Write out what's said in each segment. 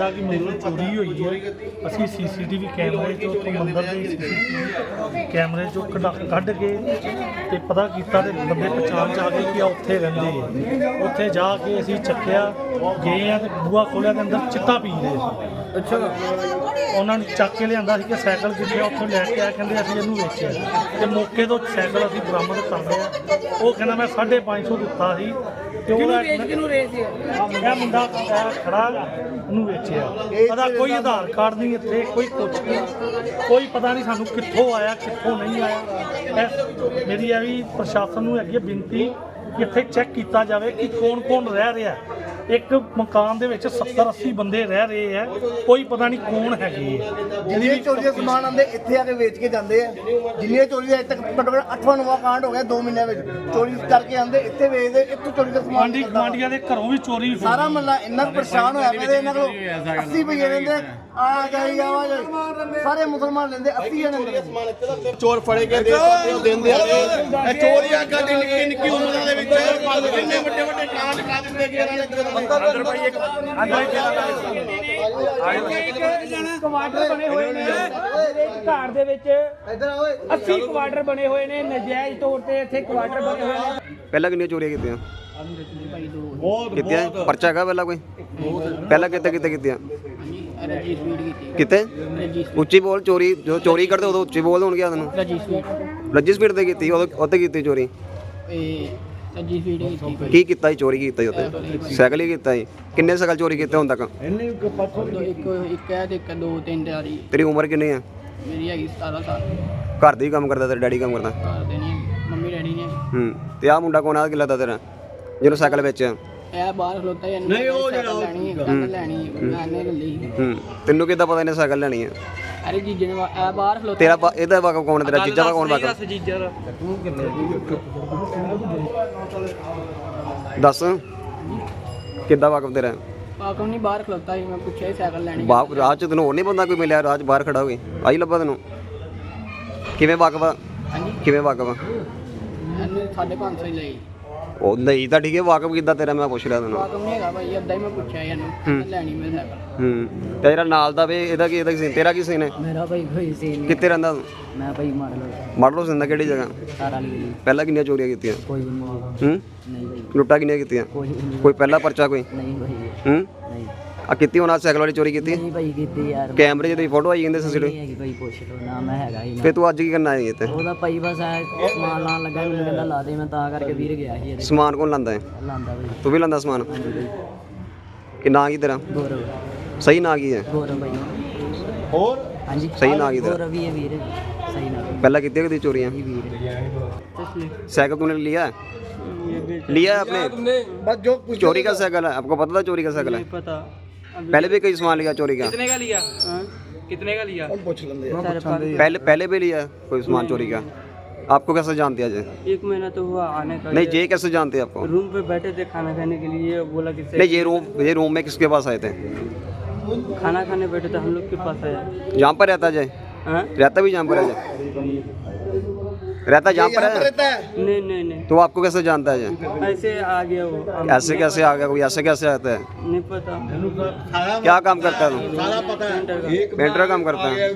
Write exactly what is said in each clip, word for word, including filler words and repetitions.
ਲੱਗਾ ਕਿ ਮੇਰੇ ਚੋਰੀ ਹੋਈ ਹੈ। ਅਸੀਂ ਸੀਸੀਟੀਵੀ ਕੈਮਰੇ ਚੋਂ ਉੱਥੋਂ ਮੰਦਰ ਦੇ ਸੀਸੀਟੀਵੀ ਕੈਮਰੇ ਚੋਂ ਕਢਾ ਕੱਢ ਕੇ ਤੇ ਪਤਾ ਕੀਤਾ ਤੇ ਬੰਦੇ ਪਛਾਣ 'ਚ ਆ ਗਏ ਕਿ ਆ ਉੱਥੇ ਰਹਿੰਦੇ ਆ। ਉੱਥੇ ਜਾ ਕੇ ਅਸੀਂ ਚੱਕਿਆ ਗਏ ਆ ਤੇ ਬੂਹਾ ਖੋਲ੍ਹਿਆ ਦੇ ਅੰਦਰ ਚਿੱਟਾ ਪੀ ਰਹੇ ਸੀ। ਅੱਛਾ, ਉਹਨਾਂ ਨੇ ਚੱਕ ਕੇ ਲਿਆਂਦਾ ਸੀ ਕਿ ਸਾਈਕਲ ਕਿੱਥੇ ਆ, ਉੱਥੋਂ ਲੈ ਕੇ ਆਇਆ, ਕਹਿੰਦੇ ਅਸੀਂ ਇਹਨੂੰ ਵੇਚਿਆ ਤੇ ਮੌਕੇ ਤੋਂ ਸਾਈਕਲ ਅਸੀਂ ਬਰਾਮਦ ਕਰ ਲਿਆ। ਉਹ ਕਹਿੰਦਾ ਮੈਂ ਸਾਢੇ ਪੰਜ ਸੌ ਦਿੱਤਾ ਸੀ ਤੇ ਉਹਦਾ ਕਿਹਨੂੰ ਰੇਸ ਸੀ? ਇਹ ਮੁੰਡਾ ਖੜਾ ਉਹਨੂੰ ਵੇਚਿਆ। ਉਹਦਾ ਕੋਈ ਆਧਾਰ ਕਾਰਡ ਨਹੀਂ ਇੱਥੇ, ਕੋਈ ਕੁਛ ਨਹੀਂ, ਕੋਈ ਪਤਾ ਨਹੀਂ ਸਾਨੂੰ ਕਿੱਥੋਂ ਆਇਆ ਕਿੱਥੋਂ ਨਹੀਂ ਆਇਆ। ਇਹ ਮੇਰੀ ਇਹ ਵੀ ਪ੍ਰਸ਼ਾਸਨ ਨੂੰ ਹੈਗੀ ਹੈ ਬੇਨਤੀ ਕਿ ਇੱਥੇ ਚੈੱਕ ਕੀਤਾ ਜਾਵੇ ਕਿ ਕੌਣ ਕੌਣ ਰਹਿ ਰਿਹਾ। ਇੱਕ ਮਕਾਨ ਦੇ ਵਿੱਚ ਸੱਤਰ ਅੱਸੀ ਬੰਦੇ ਰਹਿ ਰਹੇ ਆ, ਕੋਈ ਪਤਾ ਨਹੀਂ ਕੌਣ ਹੈਗੇ। ਜਿੰਨੇ ਚੋਰੀ ਦਾ ਸਮਾਨ ਆਉਂਦੇ ਇੱਥੇ ਆ ਕੇ ਵੇਚ ਕੇ ਜਾਂਦੇ ਆ। ਜਿੰਨੇ ਚੋਰੀ ਦਾ ਅਜੇ ਤੱਕ ਘੱਟੋ ਘੱਟ ਅੱਠਵਾਂ ਨਵਾਂ ਕਾਂਡ ਹੋ ਗਿਆ ਦੋ ਮਹੀਨਿਆਂ ਵਿੱਚ। ਚੋਰੀ ਕਰਕੇ ਆਉਂਦੇ ਇੱਥੇ ਵੇਚਦੇ, ਇੱਥੋਂ ਚੋਰੀ ਦਾ ਸਮਾਨ ਗੁਆਂਢੀ ਗੁਆਂਢੀਆਂ ਦੇ ਘਰੋਂ ਵੀ ਚੋਰੀ ਸਾਰਾ ਮਹੱਲਾ ਇੰਨਾ ਕੁ ਪਰੇਸ਼ਾਨ ਹੋਇਆ ਪਿਆ। ਇਹਨਾਂ ਕੋਲ ਅੱਸੀ ਪਈਏ ਰਹਿੰਦੇ, ਆ ਜਾਈ ਆਵਾ ਜਾਈ, ਸਾਰੇ ਮੁਸਲਮਾਨ ਲੈਂਦੇ ਅੱਸੀ ਜਣੇ। ਚੋਰ ਫੜੇ ਗਏ ਦੇ ਸਕਦੇ ਹੋ ਦਿੰਦੇ ਆ ਇਹ ਚੋਰੀਆਂ ਕਰਦੇ ਨਿੱਕੀ ਨਿੱਕੀ ਉਮਰਾਂ ਦੇ ਵਿੱਚ ਕਿੰਨੇ ਵੱਡੇ ਵੱਡੇ ਕਾਂਡ ਕਰ ਦਿੰਦੇ ਕਿ ਇਹਨਾਂ ਨੇ ਅੰਦਰ ਭਾਈ ਇੱਕ ਕੁਆਟਰ ਬਣੇ ਹੋਏ ਨੇ ਘਰ ਦੇ ਵਿੱਚ, ਅੱਸੀ ਕੁਆਟਰ ਬਣੇ ਹੋਏ ਨੇ ਨਜਾਇਜ਼ ਤੌਰ ਤੇ। ਇੱਥੇ ਕੁਆਟਰ ਬਣੇ ਹੋਏ ਨੇ। ਪਹਿਲਾਂ ਕਿੰਨੀਆਂ ਚੋਰੀਆਂ ਕੀਤੀਆਂ? ਕੀਤੀਆਂ ਪਰਚਾ ਹੈਗਾ ਪਹਿਲਾਂ ਕੋਈ? ਪਹਿਲਾਂ ਕਿੱਥੇ ਕਿੱਥੇ ਕੀਤੀਆਂ? ਕਿਤੇ ਉੱਚੀ ਬੋਲ। ਚੋਰੀ ਜਦੋਂ ਚੋਰੀ ਕਰਦੇ ਉਦੋਂ ਉੱਚੀ ਬੋਲ ਹੋਣਗੇ ਤੈਨੂੰ। ਲੱਜੀ ਸਪੀਡ ਤੇ ਕੀਤੀ ਉਦੋਂ ਉੱਥੇ ਕੀਤੀ ਚੋਰੀ? ਕੀ ਕੀਤਾ ਜੀ? ਚੋਰੀ ਕੀਤਾ ਜੀ ਉੱਥੇ? ਸਾਈਕਲ ਹੀ ਕੀਤਾ ਜੀ? ਕਿੰਨੇ ਸਾਈਕਲ ਚੋਰੀ ਕੀਤੇ ਹੁਣ ਤੱਕ? ਤੇਰੀ ਉਮਰ ਕਿੰਨੀ ਆ? ਮੇਰੀ ਹੈਗੀ ਸਤਾਰਾਂ ਸਾਲ। ਘਰ ਦੇ ਹੀ ਕੰਮ ਕਰਦਾ? ਤੇਰਾ ਡੈਡੀ ਕੰਮ ਕਰਦਾ? ਘਰ ਦੇ ਨਹੀਂ, ਮੰਮੀ ਡੈਡੀ ਨੇ। ਹੂੰ। ਤੇ ਆਹ ਮੁੰਡਾ ਕੋਣ ਆ ਕਿ ਲੱਗਦਾ ਤੇਰਾ ਜਿਹਨੂੰ ਸਾਈਕਲ ਵੇਚਿਆ? ਇਹ ਬਾਹਰ ਖਲੋਤਾ ਹੀ ਨਹੀਂ। ਉਹ ਜਿਹੜਾ ਲੈਣੀ ਹੈ ਗੱਲ ਲੈਣੀ ਹੈ ਮੈਂ ਨੇ ਲਈ। ਹੂੰ। ਤੈਨੂੰ ਕਿੱਦਾਂ ਪਤਾ ਇਹਨੇ ਸਾਈਕਲ ਲੈਣੀ ਹੈ? ਅਰੇ ਜੀਜੇ ਨੇ ਇਹ ਬਾਹਰ ਖਲੋਤਾ। ਤੇਰਾ ਇਹਦਾ ਵਾਕਫ ਕੌਣ? ਤੇਰਾ ਜੀਜਾ ਦਾ ਕੌਣ ਵਾਕਫ? ਜੀਜਾ ਦਾ ਦੱਸ ਕਿੱਦਾਂ ਵਾਕਫ ਤੇਰਾ? ਪਾਕਮ ਨਹੀਂ ਬਾਹਰ ਖਲੋਤਾ ਸੀ, ਮੈਂ ਪੁੱਛਿਆ ਹੀ ਸਾਈਕਲ ਲੈਣੀ। ਬਾਪ ਰਾਹ ਚ ਤੈਨੂੰ ਹੋਰ ਨਹੀਂ ਬੰਦਾ ਕੋਈ ਮਿਲਿਆ ਰਾਹ ਚ ਬਾਹਰ ਖੜਾ ਹੋਵੇ? ਆਈ ਲੱਭਾ ਤੈਨੂੰ? ਕਿਵੇਂ ਵਾਕਫ ਆ? ਹਾਂਜੀ, ਕਿਵੇਂ ਵਾਕਫ ਆ? ਇਹਨੇ ਸਾਢੇ ਪੰਜ ਸੌ ਹੀ ਲਈ। ਉਹ ਨਹੀਂ ਤਾਂ ਠੀਕ ਹੈ, ਵਾਕਫ ਕਿੱਦਾਂ ਤੇਰਾ ਮੈਂ ਪੁੱਛ ਰਿਹਾ ਤੈਨੂੰ। ਪਾਕਮ ਨਹੀਂ ਹੈਗਾ ਭਾਈ, ਅੱਧਾ ਹੀ ਮੈਂ ਪੁੱਛਿਆ ਇਹਨੂੰ ਲੈਣੀ ਮੈਂ ਸਾਈਕਲ। ਹੂੰ। ਤੇ ਜਿਹੜਾ ਨਾਲ ਦਾ ਵੇ ਇਹਦਾ ਕੀ ਇਹਦਾ ਕੀ ਸੀਨ? ਤੇਰਾ ਕੀ ਸੀਨ ਹੈ? ਮੇਰਾ ਭਾਈ ਕੋਈ ਸੀਨ ਕਿੱਥੇ ਰਹਿੰਦਾ ਤੂੰ? ਮੈਂ ਭਾਈ ਮਾਰ ਲਓ ਮਾਡਲੋ ਸਿੰਦਾ ਕਿਹੜੀ ਜਗ੍ਹਾ? ਸਾਰਾ ਲਈ। ਪਹਿਲਾਂ ਕਿੰਨੀਆਂ ਚੋਰੀਆਂ ਕੀਤੀਆਂ? ਕੋਈ ਨਹੀਂ। ਹੂੰ। ਨਹੀਂ ਭਾਈ, ਲੁੱਟਾਂ ਕਿੰਨੀਆਂ ਕੀਤੀਆਂ? ਕੋਈ ਨਹੀਂ। ਕੋਈ ਪਹਿਲਾ ਪਰਚਾ ਕੋਈ? ਨਹੀਂ ਭਾਈ, ਹੂੰ। ਨਹੀਂ ਆ ਕੀਤੀ ਹੁਣ? ਸਾਈਕਲ ਵਾਲੀ ਚੋਰੀ ਕੀਤੀ? ਨਹੀਂ ਭਾਈ ਕੀਤੀ ਯਾਰ। ਕੈਮਰੇ 'ਚ ਦੀ ਫੋਟੋ ਆਈ ਜਾਂਦੇ ਨਹੀਂ ਸੀਸੀਟੀਵੀ? ਹੈਗੀ ਭਾਈ, ਪੁੱਛ ਲਓ ਨਾ, ਮੈਂ ਹੈਗਾ ਹੀ ਨਾ। ਫੇ ਤੂੰ ਅੱਜ ਕੀ ਕਰਨਾ ਆਇਆ ਇੱਥੇ? ਉਹਦਾ ਭਾਈ ਬਸ ਐ ਸਮਾਨ ਲਾਣ ਲੱਗਾ, ਮੈਨੂੰ ਕਹਿੰਦਾ ਲਾ ਦੇ, ਮੈਂ ਤਾਂ ਕਰਕੇ ਵੀਰ ਗਿਆ ਸੀ ਇਹਦੇ। ਸਮਾਨ ਕੌਣ ਲਾਂਦਾ ਹੈ? ਲਾਂਦਾ ਭਾਈ। ਤੂੰ ਵੀ ਲਾਂਦਾ ਸਮਾਨ? ਹਾਂਜੀ ਭਾਈ। ਕਿ ਨਾਂ ਕੀ ਤੇਰਾ? ਗੌਰਵ। ਸਹੀ ਨਾਂ ਕੀ ਹੈ? ਗੌਰਵ ਭਾਈ। ਹੋਰ ਹਾਂਜੀ ਸਹੀ ਨਾਂ ਕੀ ਤੇਰਾ? ਗੌਰਵ ਹੀ ਹੈ ਵੀਰ, ਸਹੀ ਨਾਂ ਪਹਿਲਾਂ ਕੀਤੀਆਂ ਕਦੀ ਚੋਰੀਆਂ? ਜੀ ਵੀਰ। साइकिल तूने लिया लिया है आपने? बस जो चोरी का साइकिल है? आपको पता था चोरी का साइकिल है? पता। पहले भी कई सामान लिया चोरी का? कितने का लिया? कितने का लिया? पूछ लेंगे। पहले पहले भी लिया कोई सामान चोरी का? आपको कैसे जानते हैं? एक महीना तो हुआ आने का। नहीं ये कैसे जानते हैं आपको? रूम पे बैठे थे खाना खाने के लिए, बोला कि नहीं ये रूम ये रूम में किसके पास आए थे? खाना खाने बैठे थे हम लोग के पास आया। जहाँ पर रहता जय? हाँ? रहता भी जहाँ पर है जय? रहता जहाँ पर है? नहीं नहीं नहीं, तो आपको कैसे जानता है जय? ऐसे आ गया वो। ऐसे कैसे आ गया कोई? ऐसे कैसे आता है? नहीं पता। क्या काम करता है तू? ਸਾਰਾ ਪਤਾ ਹੈ। पेंटर का काम करता है?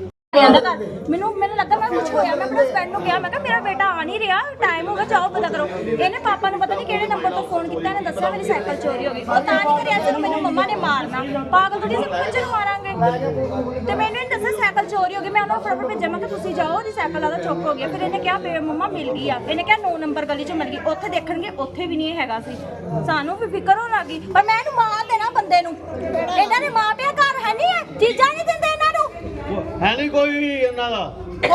ਮੈਨੂੰ ਮੈਨੂੰ ਲੱਗਾ ਮੈਂ ਕੁਝ ਹੋਇਆ। ਮੈਂ ਆਪਣੇ ਹਸਬੈਂਡ ਨੂੰ ਕਿਹਾ, ਮੈਂ ਕਿਹਾ ਮੇਰਾ ਬੇਟਾ ਆ ਨਹੀਂ ਰਿਹਾ, ਟਾਈਮ ਹੋ ਗਿਆ, ਜਾਓ ਪਤਾ ਕਰੋ। ਇਹਨੇ ਪਾਪਾ ਨੂੰ ਪਤਾ ਨਹੀਂ ਕਿਹੜੇ ਨੰਬਰ ਤੋਂ ਫੋਨ ਕੀਤਾ, ਇਹਨੇ ਦੱਸਿਆ ਮੇਰੀ ਸਾਈਕਲ ਚੋਰੀ ਹੋ ਗਈ। ਉਹ ਤਾਂ ਨਹੀਂ ਕਰਿਆ ਜਦੋਂ ਮੈਨੂੰ ਮੰਮਾ ਨੇ ਮਾਰਨਾ। ਪਾਗਲ ਥੋੜੀ ਅਸੀਂ ਬੱਚੇ ਨੂੰ ਮਾਰਾਂਗੇ। ਤੇ ਮੈਨੂੰ ਇਹਨੇ ਦੱਸਿਆ ਸਾਈਕਲ ਚੋਰੀ ਹੋ ਗਈ। ਮੈਂ ਉਹਨੂੰ ਫਟਾਫਟ ਭੇਜਿਆ, ਮੈਂ ਕਿਹਾ ਤੁਸੀਂ ਜਾਓ, ਉਹਦੀ ਸਾਈਕਲ ਆਦਾ ਚੁੱਕ ਹੋ ਗਿਆ। ਫਿਰ ਇਹਨੇ ਕਿਹਾ ਬੇ ਮੰਮਾ ਮਿਲ ਗਈ ਆ। ਇਹਨੇ ਕਿਹਾ ਨੌ ਨੰਬਰ ਗਲੀ 'ਚ ਮਿਲ ਗਈ। ਉੱਥੇ ਦੇਖਣਗੇ, ਉੱਥੇ ਵੀ ਨਹੀਂ ਹੈਗਾ ਸੀ। ਸਾਨੂੰ ਵੀ ਫਿਕਰ ਹੋਣ ਲੱਗੀ, ਪਰ ਮੈਂ ਇਹਨੂੰ ਮਾਰ ਦੇਣਾ ਬੰਦੇ ਨੂੰ। ਇਹਨਾਂ ਦੇ ਮਾਂ ਪਿਓ ਘਰ ਹੈ ਨਹੀਂ ਹੈ, ਚੀਜ਼ਾਂ ਨਹੀਂ ਦਿੰਦੇ ਇਹਨਾਂ ਨੂੰ। ਹੈ ਨਹੀਂ ਕੋਈ ਵੀ ਇਹਨਾਂ ਦਾ।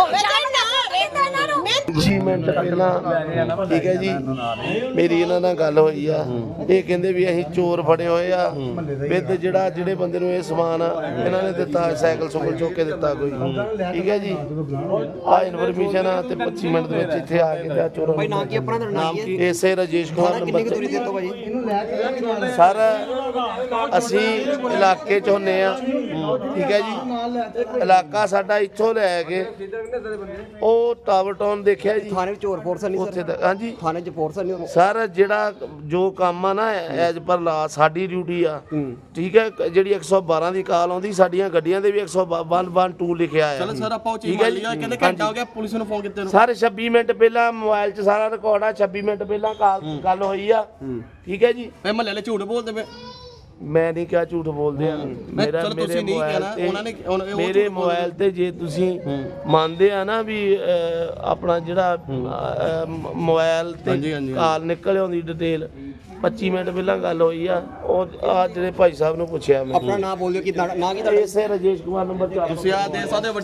ਛੇ ਮਿੰਟ ਪਹਿਲਾਂ ਠੀਕ ਹੈ ਜੀ, ਮੇਰੀ ਇਹਨਾਂ ਨਾਲ ਗੱਲ ਹੋਈ ਆ। ਇਹ ਕਹਿੰਦੇ ਵੀ ਅਸੀਂ ਚੋਰ ਫੜੇ ਹੋਏ ਆ ਵਿਦ ਜਿਹੜਾ ਜਿਹੜੇ ਬੰਦੇ ਨੂੰ ਇਹ ਸਮਾਨ ਇਹਨਾਂ ਨੇ ਦਿੱਤਾ, ਸਾਈਕਲ ਸੁਕਲ ਚੁੱਕ ਕੇ ਦਿੱਤਾ ਕੋਈ। ਠੀਕ ਹੈ ਜੀ, ਆ ਇਨਫੋਰਮੇਸ਼ਨ ਆ ਤੇ ਪੱਚੀ ਮਿੰਟ ਦੇ ਵਿੱਚ ਇੱਥੇ ਆ ਕੇ ਤੇ ਚੋਰਾਂ भाई नाम की अपना नाम की ਇਸੇ ਰਾਜੇਸ਼ ਕੁਮਾਰ ਨੰਬਰ कितनी की दूरी देते हो भाई? ਸਰ ਅਸੀਂ ਇਲਾਕੇ ਚ ਹੁੰਨੇ ਆ, ਠੀਕ ਹੈ ਜੀ। ਇਲਾਕਾ ਸਾਡਾ ਇੱਥੋਂ ਲੈ ਕੇ ਉਹ ਟਾਵਰ ਟਾਊਨ ਦੇਖਿਆ ਜੀ, ਥਾਣੇ ਵਿੱਚ ਚੋਰ ਫੋਰਸ ਨਹੀਂ ਉੱਥੇ ਤੱਕ। ਹਾਂਜੀ ਥਾਣੇ 'ਚ ਫੋਰਸ ਨਹੀਂ ਸਰ, ਜਿਹੜਾ ਜੋ ਕੰਮ ਆ ਨਾ ਐਜ ਪਰ ਲਾ ਸਾਡੀ ਡਿਊਟੀ ਆ, ਠੀਕ ਹੈ। ਜਿਹੜੀ ਇੱਕ ਸੌ ਬਾਰਾਂ ਦੀ ਕਾਲ ਆਉਂਦੀ, ਸਾਡੀਆਂ ਗੱਡੀਆਂ ਦੇ ਵੀ ਇੱਕ ਸੌ ਬਾਰਾਂ ਲਿਖਿਆ ਆ। ਚਲੋ ਸਰ ਆਪਾਂ ਉਹ ਚੀਜ਼ ਮੰਨ ਲਿਆ, ਕਹਿੰਦੇ ਘੰਟਾ ਹੋ ਗਿਆ ਪੁਲਿਸ ਨੂੰ ਫੋਨ ਕੀਤੇ ਨੂੰ। ਸਰ ਛੱਬੀ ਮਿੰਟ ਪਹਿਲਾਂ ਮੋਬਾਈਲ 'ਚ ਸਾਰਾ ਰਿਕਾਰਡ ਆ, ਛੱਬੀ ਮਿੰਟ ਪਹਿਲਾਂ ਕਾਲ ਗੱਲ ਹੋਈ ਆ, ਠੀਕ ਹੈ ਜੀ। ਇਹ ਮਹੱਲੇ ਵਾਲੇ ਝੂਠ ਬੋਲਦੇ ਪਏ। ਮੈਂ ਨਹੀਂ ਕਿਹਾ ਝੂਠ ਬੋਲਦੇ ਆ। ਮੇਰਾ ਚਲੋ ਮੇਰੇ ਤੁਸੀਂ ਨਹੀਂ ਮੋਬਾਈਲ ਕਹਿਣਾ, ਤੇ ਉਹਨਾਂ ਨੇ- ਉਹਨਾਂ- ਉਹ ਮੇਰੇ ਝੂਠ ਮੋਬਾਈਲ ਤੇ ਜੇ ਤੁਸੀਂ ਮੰਨਦੇ ਆ ਨਾ ਵੀ ਅਹ, ਆਪਣਾ ਜਿਹੜਾ ਅਹ, ਮ- ਮੋਬਾਈਲ ਹਾਂਜੀ, ਤੇ ਹਾਂਜੀ। ਕਾਲ ਨਿਕਲ ਆਉਂਦੀ ਡਿਟੇਲ ਪੱਚੀ ਮਿੰਟ ਪਹਿਲਾਂ ਗੱਲ ਹੋਈ ਆ। ਉਹ ਆ ਜਿਹੜੇ ਭਾਈ ਸਾਹਿਬ ਨੂੰ ਪੁੱਛਿਆ ਮੈਂ, ਆਪਣਾ ਨਾਮ ਬੋਲਿਓ ਕਿ ਨਾ ਕੀ ਇਸੇ ਰਾਜੇਸ਼ ਕੁਮਾਰ ਨੰਬਰ ਚਾਰ ਤੁਸੀਂ ਆ ਦੇ ਸਕਦੇ ਹੋ